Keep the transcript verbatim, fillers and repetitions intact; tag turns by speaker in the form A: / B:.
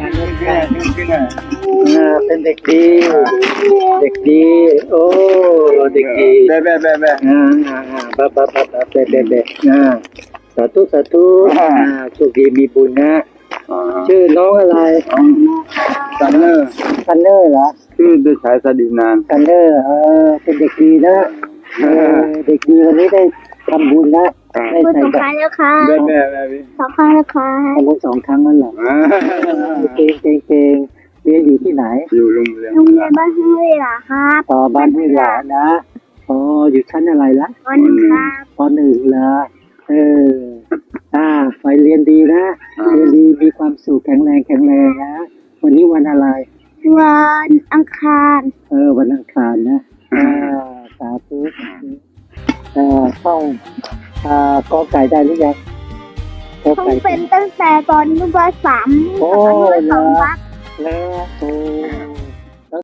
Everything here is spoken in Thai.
A: การเรียนการอ่าเป็นเด็กดีเด็กดีโอ้เด็กดี
B: แบะแบะแบะแบะ
A: อ่าอ่าอ่าบะบะบะบะเบะเบะเบะอ่าสาธุสาธุอ่าโชคดีมีบุญนะชื่อน้องอะไร
B: ซันเนอร์
A: ซันเนอร์เหรอ
B: ชื่อเด็กชายสดินาน
A: ซันเนอร์เออเป็นเด็กดีนะเออเด็กดีวันนี้ได้ทำบุญนะได้
C: พูด
A: ใส่
C: สอง
A: บา
C: ค
A: ต
C: รั้
A: รง
C: แล้วค่ะ
B: แบะแบะแบะพี่
C: สองครั้งแล้วค่ะ
A: ทำบุญสองครั้งนั่นเหรอเก่งเก่งเก่งเรียนอยู่ที่ไหน
B: อยู่โรงเรียน
C: โรงเรียนบ้านห้วยหล่ะครับ
A: ต่อบ้านห้วยหลานะอ๋ออยู่ชั้นอะไรละ
C: วันหนึ่งครับ
A: ปหนึ่งเหรอเอออ่าไปเรียนดีนะเรียนดีมีความสุขแข็งแรงแข็งแรงนะวันนี้วันอะไร
C: วันอังคาร
A: เออวันอังคารนะอ่าสาธุเอ่อท่องอ่ากอไก่ได้หรือยังกอ
C: ต้อง
A: ไก่
C: เป็นตั้งแต่ตอนอนุบาลสาม
A: โอ้
C: อนุบาล
A: เห
C: ส
A: ร
C: อ
A: อง
C: ครับ
A: แล้วโอ้